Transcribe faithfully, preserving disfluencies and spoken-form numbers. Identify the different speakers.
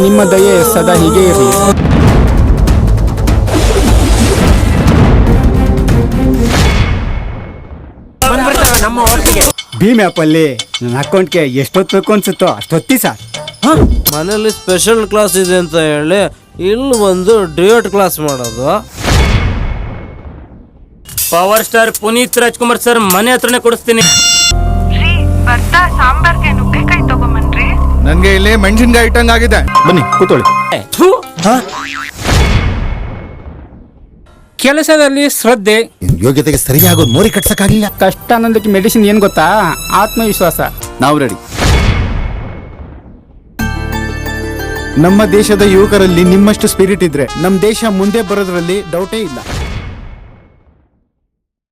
Speaker 1: ನಿಮ್ಮ ದಯೆ ಸದಾ ಹೀಗೆ ಇರಲಿ.
Speaker 2: ಭೀಮ್ ಆ್ಯಪ್ ಅಲ್ಲಿ ನನ್ನ ಅಕೌಂಟ್ಗೆ ಎಷ್ಟೊತ್ತು ಬೇಕು ಅನ್ಸುತ್ತೋ ಅಷ್ಟೊತ್ತಿ ಸರ್.
Speaker 3: ಮನೇಲಿ ಸ್ಪೆಷಲ್ ಕ್ಲಾಸ್ ಇದೆ ಅಂತ ಹೇಳಿ ಇಲ್ಲಿ ಬಂದು ಡಿಯೋಟ್ ಕ್ಲಾಸ್ ಮಾಡೋದು.
Speaker 4: Power star Puneeth Rajkumar sir ಮನೆ ಹತ್ರನೇ ಕೊಡಿಸ್ತೀನಿ.
Speaker 5: ಬರ್ತಾ ಸಾಂಬಾರ್ಗೆ ನುಗ್ಗೆಕಾಯಿ ತಗೊಂಬನ್ರಿ.
Speaker 6: ನನ್ಗೆ ಇಲ್ಲಿ ಮೆಣಸಿನ್ಕಾಯಿ ಇಟ್ಟಂಗ್ ಆಗಿದೆ.
Speaker 1: ಬನ್ನಿ ಕೂತ್ಕೊಳ್ಳಿ. ಕೆಲಸದಲ್ಲಿ ಶ್ರದ್ಧೆ,
Speaker 7: ಯೋಗ್ಯತೆಗೆ ಸರಿಯಾಗೋದು ಮೋರಿ ಕಟ್ಸಕ್ಕಾಗಿಲ್ಲ.
Speaker 1: ಕಷ್ಟ ಅನ್ನೋದಕ್ಕೆ ಮೆಡಿಸಿನ್ ಏನ್ ಗೊತ್ತಾ? ಆತ್ಮವಿಶ್ವಾಸ.
Speaker 6: ನಾವು ರೆಡಿ.
Speaker 2: ನಮ್ಮ ದೇಶದ ಯುವಕರಲ್ಲಿ ನಿಮ್ಮಷ್ಟು ಸ್ಪಿರಿಟ್ ಇದ್ರೆ ನಮ್ಮ ದೇಶ ಮುಂದೆ ಬರೋದ್ರಲ್ಲಿ ಡೌಟೇ ಇಲ್ಲ.